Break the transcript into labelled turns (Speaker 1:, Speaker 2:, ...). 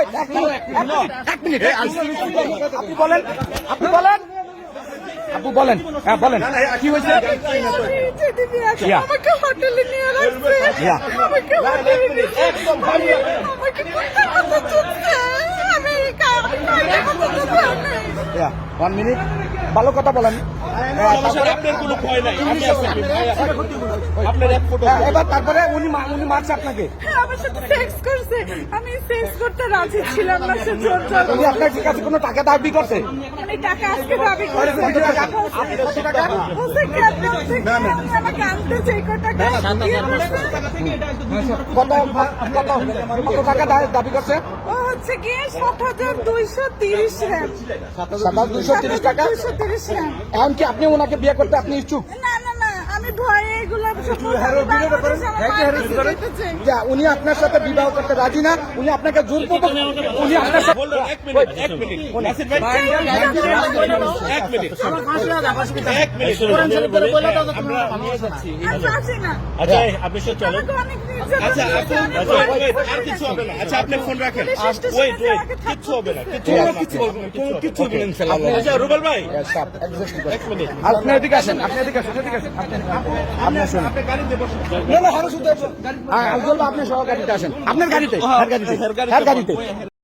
Speaker 1: এক মিনিট আপনি বলেন আপু বলেন, হ্যাঁ বলেন কি হয়েছে?
Speaker 2: আমাকে হোটেলে নিয়ে আসছে, আমাকে হোটেলে নিয়ে একদম আমাকে কথা চলছে, আমি
Speaker 1: ওয়ান মিনিট, ভালো কথা বলেন।
Speaker 3: আপনার কোনো ভয় নাই, আমি আছি, আপনার এক ফটো।
Speaker 1: এবার তারপরে উনি মারছে আপনাকে,
Speaker 2: আমার সাথে সেক্স করছে, আমি সেক্স করতে রাজি ছিলাম না, সে জোর জোর
Speaker 1: উনি আপনার কাছে কোনো টাকা দাবি করছে?
Speaker 2: মানে টাকা আজকে দাবি করছে,
Speaker 1: কত টাকা? কত টাকা?
Speaker 2: বলছে ক্যাপ্টেন থেকে আমি আমাকে আনতে চাই, কত টাকা দিয়ে বলছে।
Speaker 1: কত টাকা দাবি করছে?
Speaker 2: ও হচ্ছে গিয়ে 7,230 র‍্যাম।
Speaker 1: 7,230 টাকা।
Speaker 2: 230 র‍্যাম।
Speaker 1: এখন কি আপনি ওনাকে বিয়ে করতে আপনি ইচ্ছুক?
Speaker 2: না না না, আমি ভয়ে এগুলো
Speaker 1: উনি আপনার সাথে বিবাহ করতে রাজি না, উনি আপনাকে জোরপূর্বক, উনি আপনার সাথে
Speaker 3: এক মিনিট, এক মিনিট, নাসির ভাই, এক মিনিট, এক মিনিট, আমরা নিয়ে যাচ্ছি। আচ্ছা, আপনি সব চলেন। আচ্ছা, আর কিছু হবে না। আচ্ছা, আপনি ফোন রাখেন। ওয়েট, কিচ্ছু হবে না, কিচ্ছু হবে না, কিচ্ছু হবে না। আচ্ছা, রুবেল ভাই, এক মিনিট।
Speaker 1: আপনি এদিকে আসেন, আপনি শুনুন।
Speaker 3: আপনি গাড়িতে বসুন।
Speaker 1: আপনি সহ গাড়িতে আসেন, আপনার গাড়িতে,